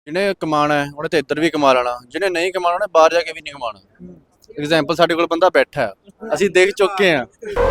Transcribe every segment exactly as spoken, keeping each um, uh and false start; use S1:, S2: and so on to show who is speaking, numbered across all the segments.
S1: ਜਿਹਨੇ ਕਮਾਣਾ ਹੈ ਉਹਨੇ ਤਾਂ ਇੱਧਰ ਵੀ ਕਮਾ ਲੈਣਾ, ਜਿਹਨੇ ਨਹੀਂ ਕਮਾਣਾ ਉਹਨੇ ਬਾਹਰ ਜਾ ਕੇ ਵੀ ਨਹੀਂ ਕਮਾਣਾ। ਐਗਜ਼ਾਮਪਲ ਸਾਡੇ ਕੋਲ ਬੰਦਾ ਬੈਠਾ ਹੈ, ਅਸੀਂ ਦੇਖ ਚੁੱਕੇ ਹਾਂ।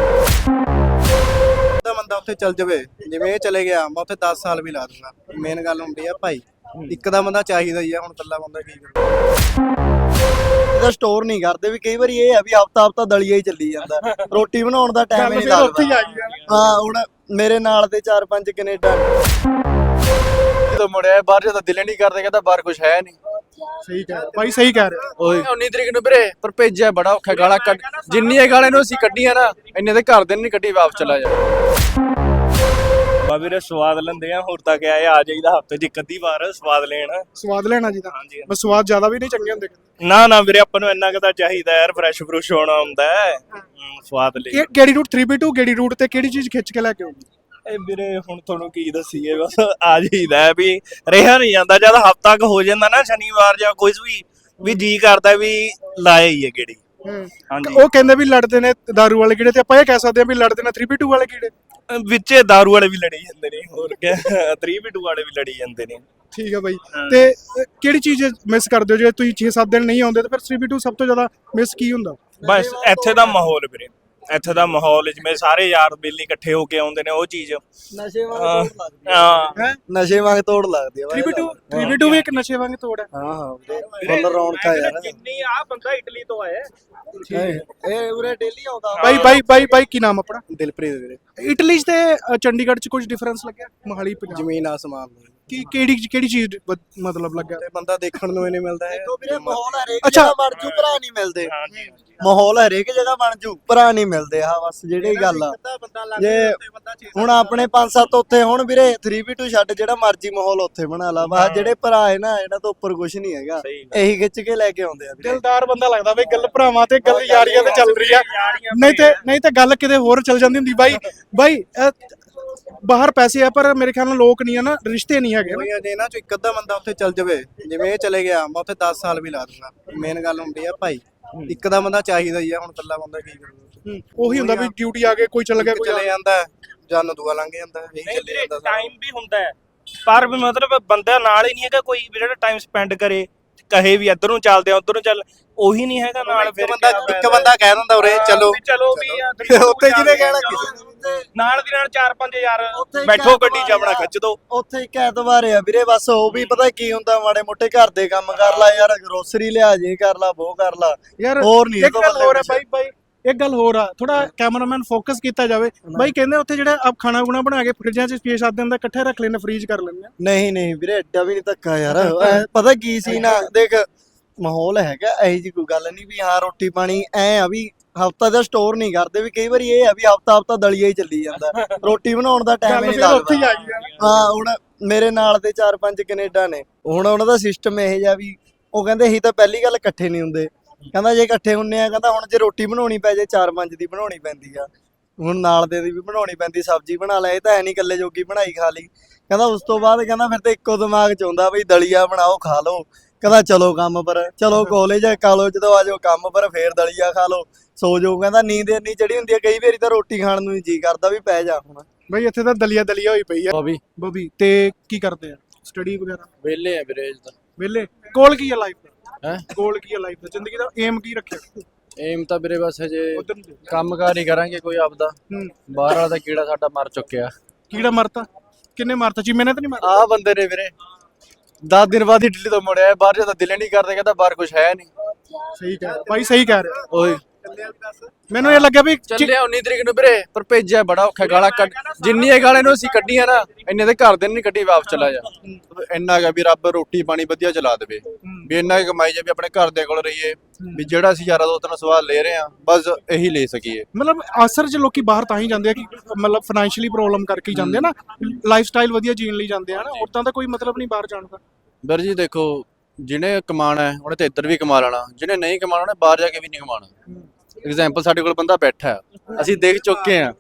S2: ਦਾ ਬੰਦਾ ਉੱਥੇ ਚੱਲ ਜਾਵੇ, ਜਿਵੇਂ ਇਹ ਚਲੇ ਗਿਆ ਮੈਂ ਉੱਥੇ ਦਸ ਸਾਲ ਵੀ ਲਾ ਦੂੰਗਾ। ਮੇਨ ਗੱਲ ਹੁੰਦੀ ਆ ਭਾਈ, ਇੱਕ ਦਾ ਬੰਦਾ ਚਾਹੀਦਾ ਹੀ ਆ। ਹੁਣ ਇਕੱਲਾ ਬੰਦਾ ਕੀ ਕਰੂ?
S3: ਇਹਦਾ ਸਟੋਰ ਨਹੀਂ ਕਰਦੇ ਵੀ ਕਈ ਵਾਰੀ ਇਹ ਆ ਵੀ ਹਫਤਾ ਹਫਤਾ ਦਲੀਆ ਹੀ ਚੱਲੀ ਜਾਂਦਾ, ਰੋਟੀ ਬਣਾਉਣ ਦਾ ਟਾਈਮ ਹੀ ਨਹੀਂ ਲੱਗਦਾ। ਹਾਂ ਹੁਣ ਮੇਰੇ ਨਾਲ ਦੇ ਚਾਰ ਪੰਜ ਕੈਨੇਡਾ
S1: ਜਦੋਂ ਮੁੜਿਆ ਬਾਹਰ ਜਦੋਂ ਦਿਲ ਨਹੀਂ ਕਰਦੇ, ਕਹਿੰਦਾ ਬਾਹਰ ਕੁਝ ਹੈ ਨਹੀਂ।
S4: ਸਹੀ ਕਹਿ ਭਾਈ, ਸਹੀ ਕਹਿ ਰਹੇ
S1: ਉਹੀ ਉੱਨੀ ਤਰੀਕ ਨੂੰ ਵੀਰੇ, ਪਰ ਭੇਜਿਆ ਬੜਾ ਔਖਾ, ਗਾਲਾਂ ਕੱਢ ਜਿੰਨੀਆਂ ਗਾਲਾਂ ਨੂੰ ਅਸੀਂ ਕੱਢੀਆਂ ਨਾ ਇੰਨੇ ਦੇ ਘਰ ਦੇ ਨਹੀਂ ਕੱਢੀ, ਵਾਪਸ ਚਲਾ ਜਾ।
S5: ਬਾ ਵੀਰੇ ਸਵਾਦ ਲੈਂਦੇ ਆ, ਹੋਰ ਤਾਂ ਕਿਆ ਆ ਜਾਈਦਾ ਹਫਤੇ 'ਚ ਇੱਕ ਅੱਧੀ ਵਾਰ ਸਵਾਦ ਲੈਣ।
S4: ਸਵਾਦ ਲੈਣਾ ਜੀ ਦਾ।
S5: ਹਾਂਜੀ
S4: ਬਸ ਸਵਾਦ ਜ਼ਿਆਦਾ ਵੀ ਨਹੀਂ ਚੰਗੇ ਹੁੰਦੇ।
S5: ਨਾ ਨਾ ਵੀਰੇ, ਆਪਾਂ ਨੂੰ ਇੰਨਾ ਕੁ ਤਾਂ ਚਾਹੀਦਾ ਯਾਰ, ਫਰੈਸ਼ ਫਰੂਸ਼ ਹੋਣਾ ਹੁੰਦਾ ਹੈ। ਹਮ, ਸਵਾਦ ਲਈ
S4: ਇਹ ਕਿਹੜੀ ਰੂਟ ਥ੍ਰੀ ਬੀ ਟੂ ਕਿਹੜੀ ਰੂਟ ਤੇ ਕਿਹੜੀ ਚੀਜ਼ ਖਿੱਚ ਕੇ ਲੈ ਕੇ ਆਉਂਦੀ?
S5: ਇਹ ਵੀਰੇ ਹੁਣ ਤੁਹਾਨੂੰ ਕੀ ਦੱਸੀਏ, ਬਸ ਆ ਜਾਈਦਾ ਵੀ ਰਿਹਾ ਨਹੀਂ ਜਾਂਦਾ। ਜਦ ਹਫਤਾ ਕੁ ਹੋ ਜਾਂਦਾ ਨਾ, ਸ਼ਨੀਵਾਰ ਜਾਂ ਕੋਈ ਵੀ ਵੀ ਜੀ ਕਰਦਾ ਵੀ ਲਾਏ ਹੀ ਹੈ ਗੇੜੀ। ਹਾਂਜੀ,
S4: ਉਹ ਕਹਿੰਦੇ ਵੀ ਲੜਦੇ ਨੇ ਦਾਰੂ ਵਾਲੇ ਕੀੜੇ, ਤੇ ਆਪਾਂ ਇਹ ਕਹਿ ਸਕਦੇ ਹਾਂ ਵੀ ਲੜਦੇ ਨੇ ਥ੍ਰੀ ਬੀ ਟੂ ਵਾਲੇ ਕੀੜੇ।
S5: ਵਿੱਚੇ ਦਾਰੂ ਵਾਲੇ ਵੀ ਲੜੀ ਜਾਂਦੇ ਨੇ, ਹੋਰ ਕਿਆ ਥ੍ਰੀ ਬੀ ਟੂ ਵਾਲੇ ਵੀ ਲੜੀ ਜਾਂਦੇ ਨੇ।
S4: ਠੀਕ ਹੈ ਬਾਈ, ਤੇ ਅ, ਕਿਹੜੀ ਚੀਜ਼ ਮਿਸ ਕਰਦੇ ਹੋ ਜੇ ਤੁਸੀਂ ਛੇ ਸੱਤ ਦਿਨ ਨਹੀਂ ਆਉਂਦੇ, ਤੇ ਫਿਰ ਥ੍ਰੀ ਬੀ ਟੂ ਸਭ ਤੋਂ ਜ਼ਿਆਦਾ ਮਿਸ ਕੀ ਹੁੰਦਾ?
S5: ਬਸ ਇੱਥੇ ਦਾ ਮਾਹੌਲ ਵੀਰੇ, ਇੱਥੇ ਦਾ ਮਾਹੌਲ ਜਿਵੇਂ ਸਾਰੇ ਯਾਰ ਬੇਲੀ ਇਕੱਠੇ ਹੋ ਕੇ ਆਉਂਦੇ ਨੇ, ਉਹ ਚੀਜ਼
S3: ਨਸ਼ੇ ਵਾਂਗ
S5: ਹਾਂ
S3: ਤੋੜ ਲੱਗਦੀ ਆ।
S5: ਹਾਂ
S4: ਹੈ
S3: ਨਸ਼ੇ ਵਾਂਗ ਤੋੜ ਲੱਗਦੀ ਆ
S4: three B two three B two ਵੀ ਇੱਕ ਨਸ਼ੇ ਵਾਂਗ ਤੋੜ ਹੈ।
S3: ਹਾਂ ਹਾਂ ਵੀਰੇ, ਫੁੱਲ ਰੌਣਕ ਆ ਯਾਰ।
S5: ਜਿੰਨੀ ਆ ਬੰਦਾ ਇਟਲੀ ਤੋਂ ਆਇਆ।
S3: ਇਹ ਇਹ ਉਰੇ ਡੇਲੀ ਆਉਂਦਾ।
S4: ਬਾਈ ਬਾਈ ਬਾਈ ਬਾਈ ਕੀ ਨਾਮ ਆਪਣਾ?
S2: ਦਿਲਪ੍ਰੀਤ ਵੀਰੇ,
S4: ਇਟਲੀ 'ਚ ਤੇ ਅ, ਚੰਡੀਗੜ੍ਹ 'ਚ ਕੁਝ ਡਿਫਰੈਂਸ ਲੱਗਿਆ? ਮੋਹਾਲੀ ਪੰਜਾਬ
S2: ਜ਼ਮੀਨ ਆਸਮਾਨ ਦੀ।
S4: ਕੀ ਕਿਹੜੀ ਕਿਹੜੀ ਚੀਜ਼ ਵ- ਮਤਲਬ ਲੱਗਾ?
S2: ਤੇ ਬੰਦਾ ਦੇਖਣ ਨੂੰ ਹੀ ਨਹੀਂ ਮਿਲਦਾ ਹੈ।
S3: ਵੀਰੇ ਮਾਹੌਲ ਹਰੇਕ
S4: ਅੱਛਾ।
S3: ਜਗ੍ਹਾ ਬਣ ਜੂ, ਭਰਾ ਨਹੀਂ ਮਿਲਦੇ।
S5: ਹਾਂਜੀ
S3: ਮਾਹੌਲ ਹਰੇਕ ਜਗ੍ਹਾ ਬਣ ਜੂ, ਭਰਾ ਨਹੀਂ ਮਿਲਦੇ। ਆ ਬਸ ਜਿਹੜੀ ਗੱਲ ਆ, ਜੇ ਹੁਣ ਆਪਣੇ ਪੰਜ ਸੱਤ ਉੱਥੇ ਹੁਣ ਵੀਰੇ ਥ੍ਰੀ ਬੀ ਟੂ ਛੱਡ, ਜਿਹੜਾ ਮਰਜੀ ਮਾਹੌਲ ਉੱਥੇ ਬਣਾ ਲਾ। ਬਸ ਜਿਹੜੇ ਭਰਾ ਹੈ ਨਾ, ਇਹਨਾਂ ਤੋਂ ਉੱਪਰ ਕੁਝ ਨਹੀਂ ਹੈਗਾ।
S5: ਸਹੀ
S3: ਇਹੀ ਖਿੱਚ ਕੇ ਲੈ ਕੇ ਆਉਂਦੇ ਆ ਵੀਰੇ।
S4: ਦਿਲਦਾਰ ਬੰਦਾ ਲੱਗਦਾ ਬਈ, ਗੱਲ ਭਰਾਵਾਂ ਤੇ ਗੱਲ ਯਾਰੀਆਂ ਤੇ ਚੱਲ ਰਹੀ ਆ। ਨਹੀਂ ਤੇ ਨਹੀਂ ਤੇ ਗੱਲ ਕਿਤੇ ਹੋਰ ਚੱਲ ਜਾਂਦੀ ਹੁੰਦੀ। ਬਾਈ ਬਾਈ ਅ, ਬਾਹਰ ਪੈਸੇ ਆ, ਪਰ ਮੇਰੇ ਖਿਆਲ ਨਾਲ ਲੋਕ ਨਹੀਂ ਆ ਨਾ, ਰਿਸ਼ਤੇ ਨਹੀਂ ਹੈਗੇ ਨਾ।
S2: ਕੋਈ ਜੇ ਇਹਨਾਂ ਚੋਂ ਇੱਕ ਅੱਧਾ ਬੰਦਾ ਉੱਥੇ ਚੱਲ ਜਾਵੇ, ਜਿਵੇਂ ਇਹ ਚਲੇ ਗਿਆ ਮੈਂ ਉੱਥੇ ਦਸ ਸਾਲ ਵੀ ਲਾ ਦੂੰਗਾ। ਮੇਨ ਗੱਲ ਹੁੰਦੀ ਆ ਭਾਈ, ਇੱਕ ਦਾ ਬੰਦਾ ਚਾਹੀਦਾ ਹੀ ਆ। ਹੁਣ ਇਕੱਲਾ ਬੰਦਾ ਕੀ ਕਰੂ?
S4: ਹੂੰ, ਉਹੀ ਹੁੰਦਾ ਵੀ ਡਿਊਟੀ ਆ ਕੇ ਕੋਈ ਚੱਲ ਗਿਆ,
S2: ਇੱਕ
S4: ਕੋਈ
S2: ਚਲੇ ਜਾਂਦਾ ਹੈ, ਜਨ ਦੂਆ ਲੰਘ ਜਾਂਦਾ ਹੈ, ਇਹੀ
S5: ਨਹੀਂ
S2: ਚੱਲੀ
S5: ਵੀਰੇ,
S2: ਜਾਂਦਾ ਸਾਰਾ।
S5: ਟਾਈਮ ਵੀ ਹੁੰਦਾ ਹੈ, ਪਰ ਵੀ ਮਤਲਬ ਬੰਦਾ ਨਾਲ ਹੀ ਨਹੀਂ ਹੈਗਾ ਕੋਈ ਵੀ ਜਿਹੜਾ ਟਾਈਮ ਸਪੈਂਡ ਕਰੇ, ਕਹੇ ਵੀ ਇੱਧਰ ਨੂੰ ਚੱਲਦੇ ਆ ਉੱਧਰ ਨੂੰ ਚੱਲ, ਉਹੀ ਨਹੀਂ ਹੈਗਾ ਨਾਲ।
S2: ਇੱਕ
S5: ਫਿਰ
S2: ਬੰਦਾ
S5: ਕਿਆ
S2: ਇੱਕ
S5: ਫਾਇਦਾ?
S2: ਬੰਦਾ ਕਹਿ ਦਿੰਦਾ ਉਰੇ ਚਲੋ
S5: ਵੀ ਚਲੋ ਵੀ ਆ,
S2: ਉੱਥੇ ਜਿਹਨੇ ਕਹਿਣਾ ਕਿਸੇ
S5: ਨਾਲ ਦੀ ਨਾਲ ਚਾਰ ਪੰਜ ਯਾਰ
S3: ਉੱਥੇ ਹੀ
S5: ਬੈਠੋ
S3: ਕਹਿ
S5: ਗੱਡੀ 'ਚ ਆਪਣਾ
S3: ਦਵਾਂ
S5: ਖਿੱਚ ਦੋ।
S3: ਉੱਥੇ ਇੱਕ ਐਤਵਾਰ ਆ ਵੀਰੇ, ਬਸ ਉਹ ਵੀ ਪਤਾ ਕੀ ਹੁੰਦਾ, ਮਾੜੇ ਮੋਟੇ ਘਰ ਦੇ ਕੰਮ ਕਰ ਲਾ ਯਾਰ, ਗਰੋਸਰੀ ਲਿਆ ਜੇ ਕਰ ਲਾ, ਉਹ ਕਰ ਲਾ।
S4: ਯਾਰ
S3: ਹੋਰ ਨਹੀਂ
S4: ਇੱਕ ਗੱਲ ਹੋਰ ਹੈ ਬਾਈ ਬਾਈ ਇੱਕ ਗੱਲ ਹੋਰ ਆ, ਥੋੜਾ ਕੈਮਰਾਮੈਨ ਫੋਕਸ ਕੀਤਾ ਜਾਵੇ। ਬਾਈ ਕਹਿੰਦੇ ਉੱਥੇ ਜਿਹੜਾ ਆਪ ਖਾਣਾ ਗੁਣਾ ਬਣਾ ਕੇ ਫਰਿੱਜਾਂ 'ਚ ਛੇ ਸੱਤ ਦਿਨ ਦਾ ਇਕੱਠੇ ਰੱਖ ਲੈਂਦੇ, ਫਰੀਜ਼ ਕਰ ਲੈਂਦੇ ਆ।
S3: ਨਹੀਂ ਨਹੀਂ ਵੀਰੇ, ਐਡਾ ਵੀ ਨਹੀਂ ਧੱਕਾ ਯਾਰ। ਐਂ ਪਤਾ ਕੀ ਸੀ ਨਾ, ਦੇਖ ਮਾਹੌਲ ਹੈਗਾ, ਇਹੀ ਜੀ ਕੋਈ ਗੱਲ ਨਹੀਂ ਵੀ ਹਾਂ ਰੋਟੀ ਪਾਣੀ ਐ ਆ ਵੀ ਹਫਤਾ ਦਾ ਸਟੋਰ ਨਹੀਂ ਕਰਦੇ ਵੀ ਕਈ ਵਾਰੀ ਇਹ ਆ ਵੀ ਹਫਤਾ ਹਫਤਾ ਦਲੀਆ ਹੀ ਚੱਲੀ ਜਾਂਦਾ, ਰੋਟੀ ਬਣਾਉਣ ਦਾ ਟਾਈਮ ਹੀ ਨਹੀਂ
S4: ਫਿਰ ਉੱਥੇ ਹੀ
S3: ਲੱਗਦਾ।
S4: ਆ ਗਈ।
S3: ਹਾਂ ਹੁਣ ਮੇਰੇ ਨਾਲ ਦੇ ਚਾਰ ਪੰਜ ਕੈਨੇਡਾ ਨੇ, ਹੁਣ ਉਹਨਾਂ ਦਾ ਸਿਸਟਮ ਇਹ ਜਿਹਾ ਵੀ ਉਹ ਕਹਿੰਦੇ ਅਸੀਂ ਤਾਂ ਪਹਿਲੀ ਗੱਲ ਇਕੱਠੇ ਨਹੀਂ ਹੁੰਦੇ। ਕਹਿੰਦਾ ਜੇ ਇਕੱਠੇ ਹੁੰਨੇ ਆ, ਕਹਿੰਦਾ ਹੁਣ ਜੇ ਰੋਟੀ ਬਣਾਉਣੀ ਪੈ ਜੇ ਚਾਰ ਪੰਜ ਦੀ ਬਣਾਉਣੀ ਪੈਂਦੀ ਆ, ਹੁਣ ਨਾਲ ਦੇ ਦੀ ਵੀ ਬਣਾਉਣੀ ਪੈਂਦੀ, ਸਬਜ਼ੀ ਬਣਾ ਲੈ, ਇਹ ਤਾਂ ਐ ਨਹੀਂ ਇਕੱਲੇ ਜੋਗੀ ਬਣਾਈ ਖਾ ਲਈ। ਕਹਿੰਦਾ ਉਸ ਤੋਂ ਬਾਅਦ ਕਹਿੰਦਾ ਫਿਰ ਤੇ ਇੱਕੋ ਦਿਮਾਗ 'ਚ ਆਉਂਦਾ ਬਈ ਦਲੀਆ ਬਣਾਓ ਖਾ ਲਓ। ਕਹਿੰਦਾ ਚਲੋ ਕੰਮ ਪਰ, ਚਲੋ ਕਾਲਜ ਆ ਖਾ ਲਓ, ਜਦੋਂ ਆ ਜਾਓ ਕੰਮ ਪਰ ਫੇਰ ਦਲੀਆ ਖਾ ਲਓ, ਸੋ ਜਾਓ। ਕਹਿੰਦਾ ਨੀਂਦ ਇੰਨੀ ਚੜੀ ਹੁੰਦੀ ਆ, ਕਈ ਵਾਰੀ ਤਾਂ ਰੋਟੀ ਖਾਣ ਨੂੰ ਜੀ ਕਰਦਾ ਵੀ ਪੈ ਜਾ ਹੁਣ।
S4: ਬਾਈ ਇੱਥੇ ਤਾਂ ਦਲੀਆ ਦਲੀਆ ਹੋਈ ਪਈ ਆ।
S1: ਬੋਬੀ
S4: ਬੋਬੀ ਤੇ ਕੀ ਕਰਦੇ ਆ? ਸਟੱਡੀ ਵਗੈਰਾ?
S1: ਵਿਹਲੇ ਆ ਵੀਰੇ ਤਾਂ।
S4: ਵਿਹਲੇ? ਗੋਲ ਕੀ ਆ ਲਾਈਫ ਦਾ?
S1: ਹੈ
S4: ਗੋਲ ਕੀ ਆ ਲਾਈਫ ਦਾ? ਜ਼ਿੰਦਗੀ ਦਾ ਏਮ ਕੀ ਰੱਖਿਆ?
S1: ਏਮ ਤਾਂ ਵੀਰੇ ਬਸ ਹਜੇ
S4: ਉਧਰ ਨੂੰ ਦੇਖ।
S1: ਕੰਮਕਾਰ ਹੀ ਕਰਾਂਗੇ ਕੋਈ ਆਪਦਾ।
S4: ਹੂੰ,
S1: ਬਾਹਰ ਵਾਲਾ ਤਾਂ ਕੀੜਾ ਸਾਡਾ ਮਰ ਚੁੱਕਿਆ।
S4: ਕੀੜਾ ਮਰਤਾ? ਕਿੰਨੇ ਮਾਰਤਾ? ਚੀਮੇ ਨੇ ਤਾਂ ਨਹੀਂ ਮਾਰਤਾ?
S1: ਆਹ ਬੰਦੇ ਨੇ ਵੀਰੇ ਦਸ ਦਿਨ ਬਾਅਦ ਇਟਲੀ ਤੋਂ ਮੁੜਿਆ ਬਾਹਰ, ਜਦੋਂ ਦਿਲ ਨਹੀਂ ਕਰਦੇ, ਕਹਿੰਦਾ ਬਾਹਰ ਕੁਝ ਹੈ ਨਹੀਂ।
S4: ਸਹੀ ਕਹਿ ਰਿਹਾ ਬਾਈ, ਸਹੀ ਕਹਿ ਰਿਹਾ।
S1: ਉਹੀ
S4: ਮੈਨੂੰ ਇਹ ਲੱਗਿਆ ਵੀ ਚੀ-
S1: ਚੱਲਿਆ ਉੱਨੀ ਤਰੀਕ ਨੂੰ ਵੀਰੇ, ਪਰ ਭੇਜਿਆ ਬੜਾ ਔਖਾ, ਗਾਲਾਂ ਕੱਢ ਜਿੰਨੀਆਂ ਗਾਲਾਂ ਨੂੰ ਅਸੀਂ ਕੱਢੀਆਂ ਨਾ ਇੰਨੇ ਦੇ ਘਰ ਦੇ ਨਹੀਂ ਕੱਢੀ, ਵਾਪਸ ਚਲਾ ਜਾ। ਇੰਨਾ ਹੈਗਾ ਵੀ ਰੱਬ ਰੋਟੀ ਪਾਣੀ ਵਧੀਆ ਚਲਾ ਦੇਵੇ, ਵੀ ਇੰਨਾ ਕੁ ਕਮਾਈ ਜਾ ਵੀ ਆਪਣੇ ਘਰ ਦੇ ਕੋਲ ਰਹੀਏ, ਵੀ ਜਿਹੜਾ ਅਸੀਂ ਯਾਰਾਂ ਦੋਸਤਾਂ ਨਾਲ ਸਵਾਲ ਲੈ ਰਹੇ ਆ ਬਸ ਇਹੀ ਲੈ ਸਕੀਏ।
S4: ਮਤਲਬ ਅਸਰ 'ਚ ਲੋਕੀ ਬਾਹਰ ਤਾਂ ਹੀ ਜਾਂਦੇ ਆ ਕਿ ਮਤਲਬ ਫਾਈਨੈਂਸ਼ੀਅਲੀ ਪ੍ਰੋਬਲਮ ਕਰਕੇ ਹੀ ਜਾਂਦੇ ਆ ਨਾ, ਲਾਈਫ ਸਟਾਈਲ ਵਧੀਆ ਜੀਣ ਲਈ ਜਾਂਦੇ ਆ ਨਾ, ਔਰਤਾਂ ਦਾ ਕੋਈ ਮਤਲਬ ਨਹੀਂ ਬਾਹਰ ਜਾਣ ਦਾ।
S1: ਵੀਰ ਜੀ ਦੇਖੋ, ਜਿਹਨੇ ਕਮਾਣਾ ਹੈ ਉਹਨੇ ਤਾਂ ਇੱਧਰ ਵੀ ਕਮਾ ਲੈਣਾ, ਜਿਹਨੇ ਨਹੀਂ ਕਮਾਣਾ ਉਹਨੇ ਬਾਹਰ ਜਾ ਕੇ ਵੀ ਨਹੀਂ ਕਮਾਣਾ। ਐਗਜ਼ਾਮਪਲ ਸਾਡੇ ਕੋਲ ਬੰਦਾ ਬੈਠਾ ਹੈ, ਅਸੀਂ ਦੇਖ ਚੁੱਕੇ ਹਾਂ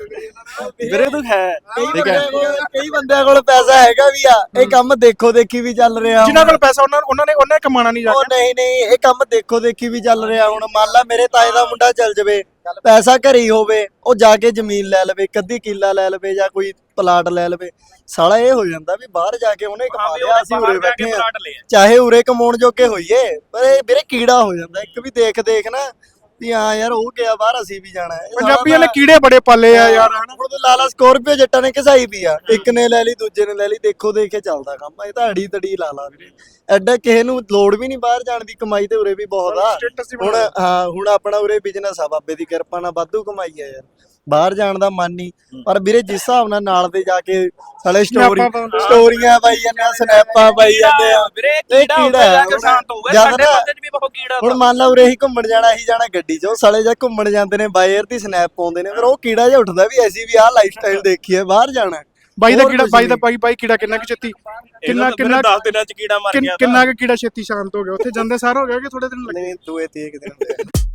S1: ਵੀਰੇ, ਤੂੰ ਹੈ
S3: ਕਈ
S1: ਠੀਕ ਹੈ।
S3: ਬੰਦਿਆਂ ਕੋਲ ਕਈ ਬੰਦਿਆਂ ਕੋਲ ਪੈਸਾ ਹੈਗਾ ਵੀ ਆ, ਇਹ ਕੰਮ ਦੇਖੋ ਦੇਖੀ ਵੀ ਚੱਲ ਰਿਹਾ।
S4: ਜਿਨ੍ਹਾਂ ਕੋਲ ਪੈਸਾ ਉਹਨਾਂ ਉਹਨਾਂ ਨੇ ਉਹਨਾਂ ਨੇ ਕਮਾਣਾ ਨਹੀਂ ਜਾ
S3: ਉਹ ਨਹੀਂ ਨਹੀਂ, ਇਹ ਕੰਮ ਦੇਖੋ ਦੇਖੀ ਵੀ ਚੱਲ ਰਿਹਾ। ਹੁਣ ਮੰਨ ਲਾ ਮੇਰੇ ਤਾਏ ਦਾ ਮੁੰਡਾ ਚੱਲ ਜਵੇ, ਪੈਸਾ ਘਰੇ ਹੀ ਹੋਵੇ, ਉਹ ਜਾ ਕੇ ਜ਼ਮੀਨ ਲੈ ਲਵੇ, ਇੱਕ ਅੱਧੀ ਕਿੱਲਾ ਲੈ ਲਵੇ ਜਾਂ ਕੋਈ ਪਲਾਟ ਲੈ ਲਵੇ, ਸਾਲਾ ਇਹ ਹੋ ਜਾਂਦਾ ਵੀ ਬਾਹਰ ਜਾ ਕੇ ਉਹਨੇ ਕਮਾ ਲਿਆ, ਅਸੀਂ ਉਰੇ ਬੈਠੇ ਆ,
S5: ਪਲਾਟ ਲਿਆ।
S3: ਚਾਹੇ ਉਰੇ ਕਮਾਉਣ ਜੋਗੇ ਹੋਈਏ, ਪਰ ਇਹ ਵੀਰੇ ਕੀੜਾ ਹੋ ਜਾਂਦਾ ਇੱਕ ਵੀ ਦੇਖ ਦੇਖ ਨਾ ਵੀ ਹਾਂ ਯਾਰ ਉਹ ਗਿਆ ਬਾਹਰ, ਅਸੀਂ ਵੀ ਜਾਣਾ ਹੈ।
S4: ਪੰਜਾਬੀਆਂ ਨੇ ਕੀੜੇ ਬੜੇ ਪਾਲੇ ਆ ਯਾਰ ਹਨਾ।
S3: ਹੁਣ ਤਾਂ ਲਾਲਾ ਸਕੋਰਪੀਓ ਜੱਟਾਂ ਨੇ ਘਸਾਈ ਪਈ ਆ, ਇੱਕ ਨੇ ਲੈ ਲਈ ਦੂਜੇ ਨੇ ਲੈ ਲਈ, ਦੇਖੋ ਦੇਖੇ ਚੱਲਦਾ ਕੰਮ। ਇਹ ਤਾਂ ਅੜੀ ਤੜੀ ਲਾ ਲਾ ਵੀਰੇ, ਐਡਾ ਕਿਸੇ ਨੂੰ ਲੋੜ ਵੀ ਨਹੀਂ ਬਾਹਰ ਜਾਣ ਦੀ, ਕਮਾਈ ਤੇ ਉਰੇ ਵੀ ਬਹੁਤ ਆ। ਹੁਣ ਹਾਂ ਹੁਣ ਆਪਣਾ ਉਰੇ ਬਿਜ਼ਨਸ ਆ, ਬਾਬੇ ਦੀ ਕਿਰਪਾ ਨਾਲ ਵਾਧੂ ਕਮਾਈ ਆ ਯਾਰ, ਬਾਹਰ ਜਾਣ ਦਾ ਮਨ ਨਹੀਂ। ਪਰ ਵੀਰੇ ਜਿਸ ਹਿਸਾਬ ਨਾਲ ਨਾਲ ਦੇ ਜਾ ਕੇ ਸਾਲੇ ਸਟੋਰੀ ਸਟੋਰੀਆਂ ਪਾਈ ਜਾਂਦੇ ਆ, ਸਨੈਪਾਂ ਪਾਈ ਜਾਂਦੇ ਆ,
S5: ਵੀਰੇ
S3: ਇਹ
S5: ਕੀੜਾ
S3: ਕੀੜਾ
S5: ਹੁੰਦਾ
S3: ਹੈ।
S5: ਜਾ ਕੇ ਸ਼ਾਂਤ ਹੋਊਗਾ,
S3: ਜਦ
S5: ਸਾਡੇ
S3: ਨਾ-
S5: ਬੰਦੇ 'ਚ ਵੀ ਬਹੁਤ ਕੀੜਾ
S3: ਹੁਣ ਮੰਨ ਲਾ ਉਰੇ ਹੀ ਘੁੰਮਣ ਜਾਣਾ, ਅਸੀਂ ਜਾਣਾ ਗੱਡੀ 'ਚ, ਉਹ ਸਾਲੇ ਜਾ ਘੁੰਮਣ ਜਾਂਦੇ ਨੇ ਬਾਈ 에ਅਰ ਦੀ ਸਨੈਪ ਪਾਉਂਦੇ ਨੇ, ਫਿਰ ਉਹ ਕੀੜਾ ਜਿਹਾ ਉੱਠਦਾ ਵੀ ਅਸੀਂ ਵੀ ਆਹ ਲਾਈਫ ਸਟਾਈਲ ਦੇਖੀਏ, ਬਾਹਰ ਜਾਣਾ।
S4: ਬਾਈ ਦਾ
S3: ਹੋਰ
S4: ਕੀੜਾ
S3: ਕੁਛ
S4: ਬਾਈ ਦਾ
S3: ਨਹੀਂ।
S4: ਬਾਈ ਬਾਈ ਕੀੜਾ ਕਿੰਨਾ ਕਿ ਛੇਤੀ ਕਿੰਨਾ
S5: ਕਿੰਨਾ
S4: ਕਿੰਨਾ
S5: ਦਸ ਦਿਨਾਂ 'ਚ ਕੀੜਾ ਮਰ
S4: ਕਿੰਨ-
S5: ਗਿਆ।
S4: ਕਿੰਨਾ ਕੁ ਕੀੜਾ ਛੇਤੀ ਸ਼ਾਂਤ ਹੋ ਗਿਆ ਉੱਥੇ ਜਾਂਦੇ ਸਾਰ ਹੋ ਗਿਆ ਕਿ ਥੋੜੇ ਦਿਨ ਲੱਗੇ?
S2: ਨਹੀਂ ਦੂਏ ਤੀਏ ਕੁ ਦਿਨ ਹੁੰਦੇ ਆ।